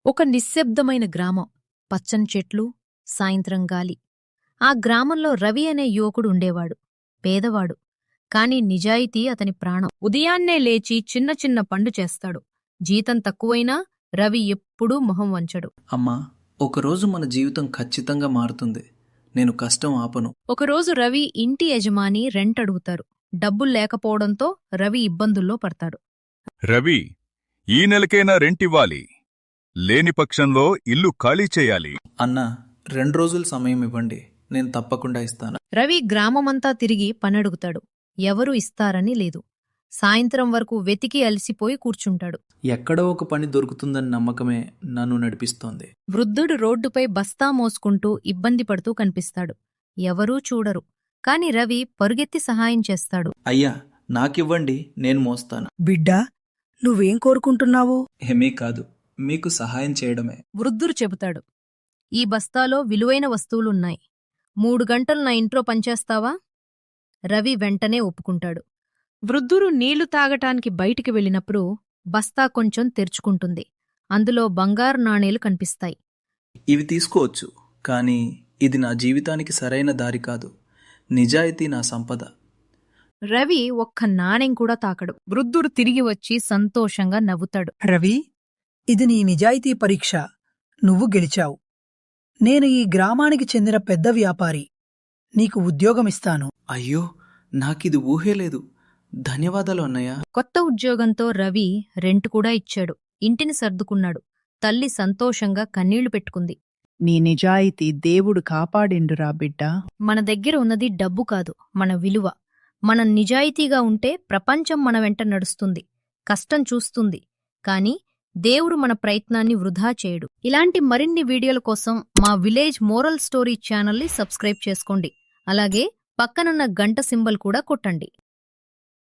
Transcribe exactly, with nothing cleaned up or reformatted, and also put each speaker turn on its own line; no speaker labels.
ఒక నిశ్శబ్దమైన గ్రామం. పచ్చని చెట్లు, సాయంత్రం గాలి. ఆ గ్రామంలో రవి అనే యువకుడు ఉండేవాడు. పేదవాడు, కాని నిజాయితీ అతని ప్రాణం. ఉదయాన్నే లేచి చిన్న చిన్న పండు చేస్తాడు. జీతం తక్కువైనా రవి ఎప్పుడూ మొహం వంచడు.
అమ్మా, ఒకరోజు మన జీవితం ఖచ్చితంగా మారుతుంది. నేను కష్టం ఆపను.
ఒకరోజు రవి ఇంటి యజమాని రెంట్ అడుగుతారు. డబ్బులు లేకపోవడంతో రవి ఇబ్బందుల్లో పడతాడు.
రవి, ఈ నెలకైనా రెంటివ్వాలి. లేని పక్షంలో ఇల్లు ఖాళీ చేయాలి.
అన్నా, రెండు రోజులు సమయం ఇవ్వండి, నేను తప్పకుండా ఇస్తాను.
రవి గ్రామమంతా తిరిగి పనడుగుతాడు. ఎవరూ ఇస్తారని లేదు. సాయంత్రం వరకు వెతికి అలసిపోయి కూర్చుంటాడు.
ఎక్కడో ఒక పని దొరుకుతుందని నమ్మకమే నన్ను నడిపిస్తోంది.
వృద్ధుడు రోడ్డుపై బస్తా మోసుకుంటూ ఇబ్బంది పడుతూ కనిపిస్తాడు. ఎవరూ చూడరు, కాని రవి పరుగెత్తి సహాయం చేస్తాడు.
అయ్యా, నాకివ్వండి, నేను మోస్తాను.
బిడ్డా, నువ్వేం కోరుకుంటున్నావు?
ఏమీ కాదు, మీకు సహాయం చేయడమే.
వృద్ధుడు చెబుతాడు. ఈ బస్తాలో విలువైన వస్తువులున్నాయి. మూడు గంటలు నా ఇంట్లో పనిచేస్తావా? రవి వెంటనే ఒప్పుకుంటాడు. వృద్ధుడు నీళ్లు తాగటానికి బయటికి వెళ్ళినప్పుడు బస్తా కొంచెం తెరుచుకుంటుంది. అందులో బంగారు నాణేలు కనిపిస్తాయి.
ఇవి తీసుకోవచ్చు, కానీ ఇది నా జీవితానికి సరైన దారి కాదు. నిజాయితీ నా సంపద.
రవి ఒక్క నాణెం కూడా తాకడు. వృద్ధుడు తిరిగి వచ్చి సంతోషంగా నవ్వుతాడు.
రవి, ఇది నీ నిజాయితీ పరీక్ష. నువ్వు గెలిచావు. నేను ఈ గ్రామానికి చెందిన పెద్ద వ్యాపారి. నీకు ఉద్యోగమిస్తాను.
అయ్యో, నాకిది ఊహే లేదు. ధన్యవాదాలు అన్నయ్య.
కొత్త ఉద్యోగంతో రవి రెంట్ కూడా ఇచ్చాడు. ఇంటిని సర్దుకున్నాడు. తల్లి సంతోషంగా కన్నీళ్లు పెట్టుకుంది.
నీ నిజాయితీ దేవుడు కాపాడిండురా బిడ్డా.
మన దగ్గర ఉన్నది డబ్బు కాదు, మన విలువ. మనం నిజాయితీగా ఉంటే ప్రపంచం మన వెంట నడుస్తుంది, కష్టం చూస్తుంది. కాని దేవుడు మన ప్రయత్నాన్ని వృధా చేయడు. ఇలాంటి మరిన్ని వీడియోల కోసం మా విలేజ్ మోరల్ స్టోరీ ఛానల్ని సబ్స్క్రైబ్ చేసుకోండి. అలాగే పక్కనున్న గంట సింబల్ కూడా కొట్టండి.